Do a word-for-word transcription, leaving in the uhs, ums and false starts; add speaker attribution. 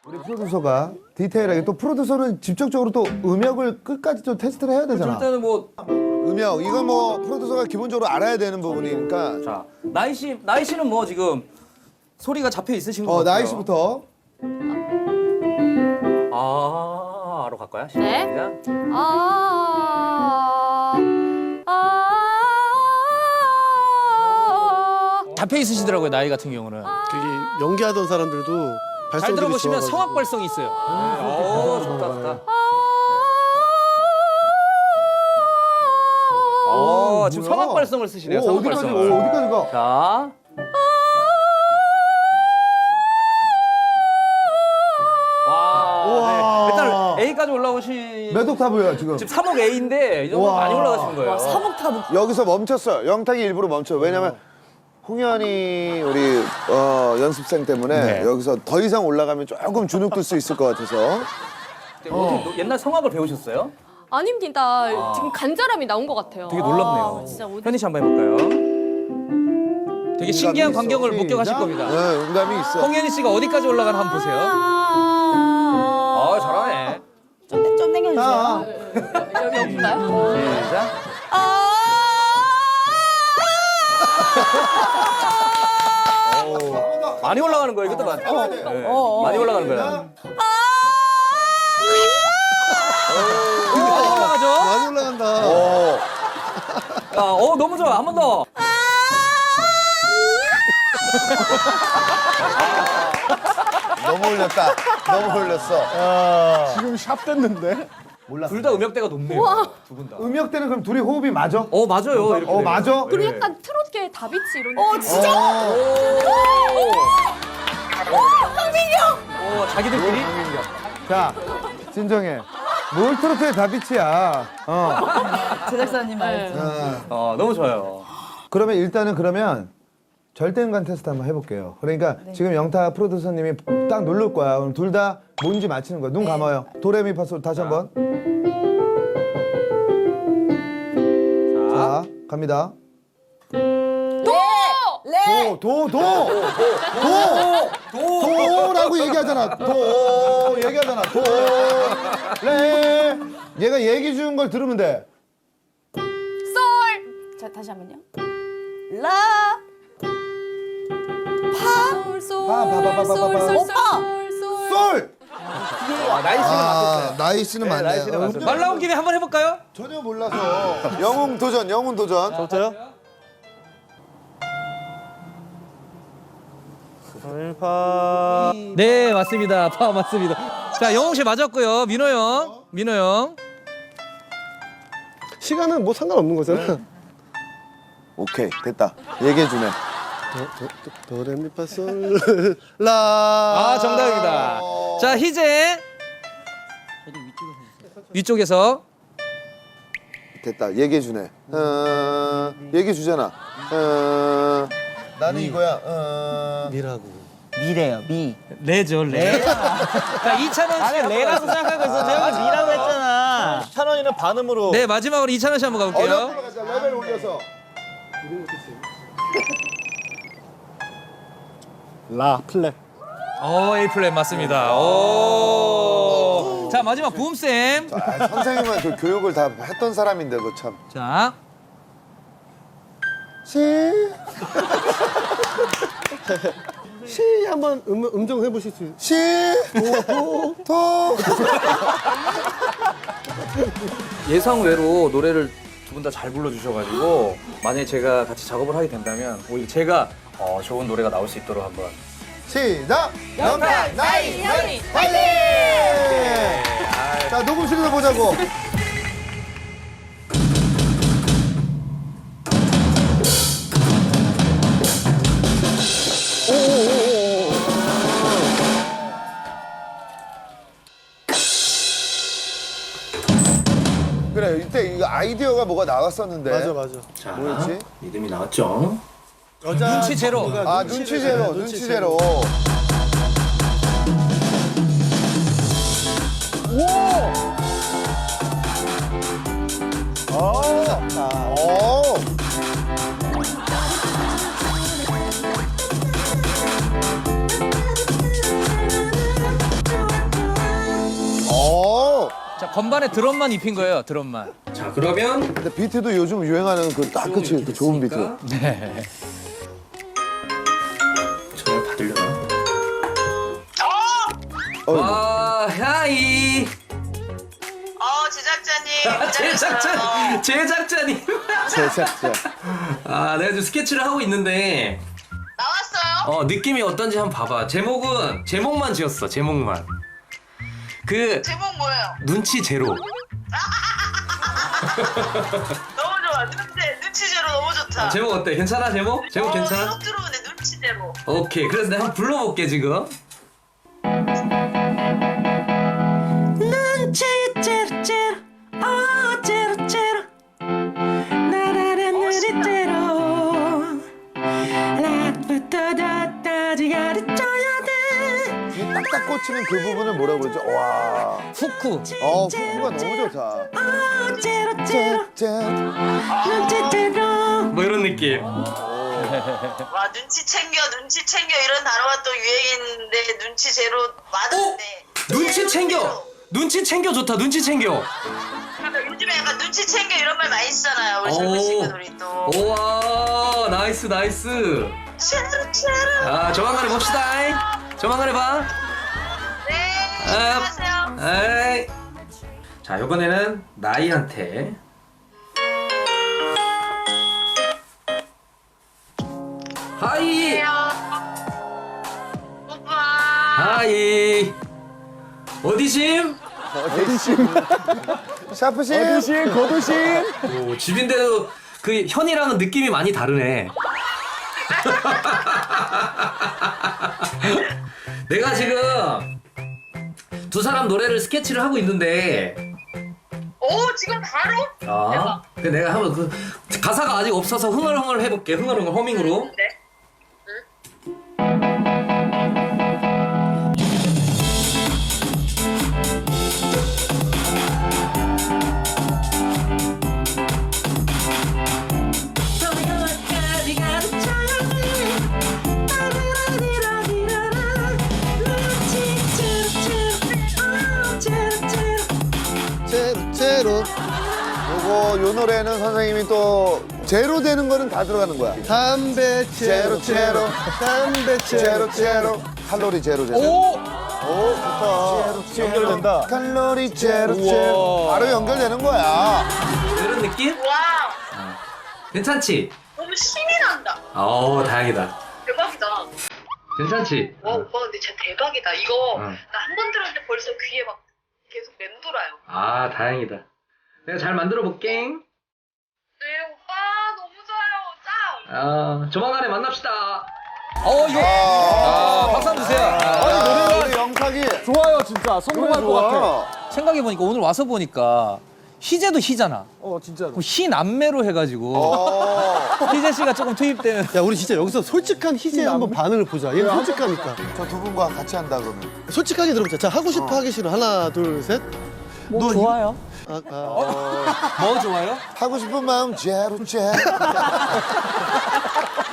Speaker 1: 우리 프로듀서가 디테일하게 또 프로듀서는 직접적으로 또 음역을 끝까지 좀 테스트를 해야 되잖아.
Speaker 2: 일단은 뭐
Speaker 1: 음역 이건 뭐 프로듀서가 기본적으로 알아야 되는 부분이니까.
Speaker 2: 자, 나이 씨, 나이 씨는 뭐 지금 소리가 잡혀 있으신 것
Speaker 1: 어
Speaker 2: 같아요.
Speaker 1: 나이 씨부터.
Speaker 2: 아로 갈까요?
Speaker 3: 네.
Speaker 2: 시작.
Speaker 3: 아, 아,
Speaker 2: 잡혀 있으시더라고요, 나이 같은 경우는.
Speaker 4: 되게 연기하던 사람들도
Speaker 2: 잘
Speaker 4: 발성들이
Speaker 2: 들어보시면
Speaker 4: 좋아가지고.
Speaker 2: 성악 발성이 있어요. 오, 좋다, 좋다. 어, 지금
Speaker 1: 뭐야?
Speaker 2: 성악 발성을 쓰시네요.
Speaker 1: 오,
Speaker 2: 성악
Speaker 1: 어디까지?
Speaker 2: 발성을.
Speaker 1: 오, 어디까지 가?
Speaker 2: 자. 와,
Speaker 1: 우와.
Speaker 2: 네. 일단 A까지 올라오신
Speaker 1: 몇 옥타브야 지금?
Speaker 2: 지금 삼 억 A인데 이 정도
Speaker 1: 우와.
Speaker 2: 많이 올라가신 거예요.
Speaker 3: 와, 삼 옥타브.
Speaker 1: 여기서 멈췄어요. 영탁이 일부러 멈춰. 왜냐면 홍현이 우리 어, 연습생 때문에
Speaker 2: 네.
Speaker 1: 여기서 더 이상 올라가면 조금 주눅 들 수 있을 것 같아서.
Speaker 2: 어떻게 노- 옛날 성악을 배우셨어요?
Speaker 3: 아닙니다. 지금 간절함이 나온 것 같아요.
Speaker 2: 되게 놀랍네요.
Speaker 3: 아, 진짜 어디...
Speaker 2: 현희 씨 한번 해볼까요? 되게 신기한
Speaker 1: 음감이
Speaker 2: 광경을
Speaker 1: 있어.
Speaker 2: 목격하실
Speaker 1: 시작.
Speaker 2: 겁니다.
Speaker 1: 네, 음감이 있어.
Speaker 2: 홍현희 씨가 어디까지 올라가나 한번 보세요. 아, 잘하네.
Speaker 3: 좀, 좀 당겨주세요.
Speaker 1: 아,
Speaker 3: 여기 여기인가요?
Speaker 2: 시작.
Speaker 3: 아,
Speaker 2: 많이 올라가는 거예요. 이것도 많이. 네. 많이 올라가는 거예요. 많이 올라가죠?
Speaker 4: 많이 올라간다.
Speaker 1: 오.
Speaker 2: 아, 어, 너무 좋아. 한 번 더.
Speaker 1: 너무 올렸다. 너무 올렸어.
Speaker 4: 지금 샵 됐는데?
Speaker 2: 둘 다 음역대가 높네요. 두 분 다.
Speaker 1: 음역 때는 그럼 둘이 호흡이 맞아?
Speaker 2: 어, 맞아요. 이렇게
Speaker 1: 어
Speaker 2: 되면.
Speaker 1: 맞아?
Speaker 3: 그리고 약간 트롯계 다비치 이런 어, 진짜?
Speaker 2: 오, 자기들끼리?
Speaker 1: 자 진정해. 뭘 트로트의 다비치야. 어.
Speaker 5: 제작사님 말.
Speaker 2: 어, 너무 좋아요.
Speaker 1: 그러면 일단은 그러면 절대음감 테스트 한번 해볼게요. 그러니까 지금 영탁 프로듀서님이 딱 누를 거야. 그럼 둘 다 뭔지 맞히는 거야. 눈 감아요. 도레미파솔 다시 한번. 자 갑니다. 도, 도, 도, 도, 도라고 얘기하잖아. 도, 얘기하잖아. 도, 레. 얘가 얘기 주는 걸 들으면 돼.
Speaker 5: 솔. 자 다시 한번요. 라.
Speaker 3: 솔, 솔,
Speaker 1: 파, 파, 파, 파, 파, 파,
Speaker 3: 솔,
Speaker 1: 파.
Speaker 3: 솔,
Speaker 5: 오빠!
Speaker 3: 솔, 솔.
Speaker 1: 솔.
Speaker 2: 아, 나이 씨는 맞췄어요.
Speaker 1: 나이 씨는
Speaker 2: 네, 나이 씨는 맞췄어요. 말 나온 김에 한번 해볼까요?
Speaker 1: 전혀 몰라서. 영웅 도전, 영웅 도전.
Speaker 4: 저부터요? 파.
Speaker 2: 네, 맞습니다. 파 맞습니다. 자, 영웅 씨 맞았고요. 민호 형, 민호 형.
Speaker 4: 시간은 뭐 상관없는 거잖아.
Speaker 1: 오케이, 됐다. 얘기해 주네.
Speaker 4: 도레미파솔 라.
Speaker 2: 아, 정답입니다. 자, 희재. 위쪽에서.
Speaker 1: 됐다. 얘기해 주네. 어, 얘기해 주잖아. 어, 나는 이거야. 어.
Speaker 4: 미라고.
Speaker 6: 미래요, 미.
Speaker 2: 레죠, 레. 자, 이찬원 씨.
Speaker 6: 나는 레라고 생각하고 있어. 내가 미라고 했잖아.
Speaker 4: 찬원이는 반음으로.
Speaker 2: 네, 마지막으로 이찬원 씨 한번 가볼게요.
Speaker 1: 어렵게 가자. 레벨 올려서.
Speaker 4: 라 플랫.
Speaker 2: 오, A 플랫 맞습니다. 오. 자, 마지막 부음쌤.
Speaker 1: 아, 선생님은 그 교육을 다 했던 사람인데 그 참.
Speaker 2: 자,
Speaker 1: 시.
Speaker 4: 시 한번 음, 음정 해보실 수 있어요?
Speaker 1: 시. 도. 도.
Speaker 2: 예상 외로 노래를 두 분 다 잘 불러주셔가지고 만약에 제가 같이 작업을 하게 된다면 오히려 제가 어, 좋은 노래가 나올 수 있도록 한번.
Speaker 1: 시작. 영탁 나이 현이 화이팅! 자 녹음실에서 보자고. 그래 이때 이거 아이디어가 뭐가 나왔었는데.
Speaker 4: 맞아 맞아.
Speaker 2: 자,
Speaker 1: 뭐였지?
Speaker 2: 리듬이 나왔죠.
Speaker 4: 여자
Speaker 2: 눈치 제로.
Speaker 1: 아 눈치 제로, 눈치 제로. 오. 오.
Speaker 2: 자, 건반에 드럼만 입힌 거예요, 드럼만.
Speaker 7: 자, 그러면
Speaker 1: 근데 비트도 요즘 유행하는 그 딱 끝이 그 좋은 비트.
Speaker 2: 네.
Speaker 7: 전화 받으려나?
Speaker 1: 어,
Speaker 7: 와, 하이.
Speaker 8: 어, 제작자님.
Speaker 7: 제작자, 제작자님.
Speaker 1: 제작자.
Speaker 7: 아, 내가 지금 스케치를 하고 있는데,
Speaker 8: 나왔어요?
Speaker 7: 어, 느낌이 어떤지 한번 봐봐. 제목은, 제목만 지었어, 제목만. 그,
Speaker 8: 제목 뭐예요?
Speaker 7: 눈치 제로.
Speaker 8: 너무 좋아. 눈치, 눈치 제로 너무 좋다.
Speaker 7: 아, 제목 어때? 괜찮아, 제목? 제목
Speaker 8: 어,
Speaker 7: 괜찮아?
Speaker 8: 쏙 들어오네, 눈치 제로.
Speaker 7: 오케이. 그래서 내가 한번 불러볼게, 지금. 눈치 제로 제로, 어, 제로 제로. 나라라 눈치 제로. 라부터 다까지 가르쳐야 돼.
Speaker 1: 이 딱딱 꽂히는 그 부분을 뭐라고 그러죠? 와.
Speaker 2: 후쿠.
Speaker 1: 어, 후가 너무 좋다.
Speaker 7: 어, 제로 제로.
Speaker 1: 짠.
Speaker 7: 눈치 제로. 뭐 이런 느낌.
Speaker 8: 와, 눈치 챙겨, 눈치 챙겨 이런 단어가 또 유행인데 눈치 제로 맞았네.
Speaker 7: 눈치 챙겨. 눈치 챙겨 좋다. 눈치 챙겨.
Speaker 8: 그러니까 요즘에 약간 눈치 챙겨 이런 말 많이 쓰잖아요. 우리 젊은 친구들이 또.
Speaker 7: 우와, 나이스 나이스.
Speaker 8: 제로 제로.
Speaker 7: 아, 조만간에 봅시다. 조만간에 봐.
Speaker 8: 네,
Speaker 7: 아,
Speaker 8: 안녕하세요.
Speaker 7: 에이. 자, 이번에는 나이한테. 하이.
Speaker 8: 오빠.
Speaker 7: 하이. 어디심?
Speaker 1: 어디심? 샤프심? 어디심? 거두심?
Speaker 7: 오, 집인데도 그 현이랑은 느낌이 많이 다르네. 내가 지금 두 사람 노래를 스케치를 하고 있는데,
Speaker 8: 오, 지금 바로?
Speaker 7: 아, 근데 내가 한번 그 가사가 아직 없어서 흥얼흥얼 해볼게. 흥얼흥얼 허밍으로.
Speaker 8: 네.
Speaker 1: 제로 제로. 요거 요 노래는 선생님이 또 제로 되는 거는 다 들어가는 거야.
Speaker 4: 담배
Speaker 1: 제로 제로.
Speaker 4: 담배
Speaker 1: 제로 제로. 칼로리 제로 제로.
Speaker 2: 오!
Speaker 1: 오, 좋다. 연결된다. 칼로리 제로 제로. 바로 연결되는 거야.
Speaker 7: 이런 느낌?
Speaker 8: 와우.
Speaker 7: 괜찮지?
Speaker 8: 너무 신이 난다.
Speaker 7: 어, 다행이다.
Speaker 8: 대박이다.
Speaker 7: 괜찮지?
Speaker 8: 와, 오빠 근데 진짜 대박이다. 이거
Speaker 7: 응.
Speaker 8: 나 한 번 들었는데 벌써 귀에 막 계속 맴돌아요.
Speaker 7: 아, 다행이다. 내가 잘 만들어 볼게.
Speaker 8: 네, 오빠 너무 좋아요. 짱.
Speaker 7: 아, 조만간에 만납시다.
Speaker 2: 어, 이거. 아, 박수 한번 주세요.
Speaker 1: 아, 우리 영탁이
Speaker 9: 좋아요, 진짜. 성공할 것 같아.
Speaker 2: 생각해보니까 오늘 와서 보니까 희재도 희잖아.
Speaker 9: 어, 진짜로.
Speaker 2: 그럼 희 남매로 해가지고
Speaker 1: 어.
Speaker 2: 희재 씨가 조금 투입되면.
Speaker 4: 야, 우리 진짜 여기서 솔직한 희재 한번 반응을 보자. 얘 솔직하니까.
Speaker 1: 저 두 분과 같이 한다 그러면.
Speaker 4: 솔직하게 들어보자. 자, 하고 싶어, 하기 싫어. 하나, 둘, 셋.
Speaker 5: 뭐 좋아요?
Speaker 4: 아, 아.
Speaker 2: 뭐 좋아요?
Speaker 1: 하고 싶은 마음 제로 제로.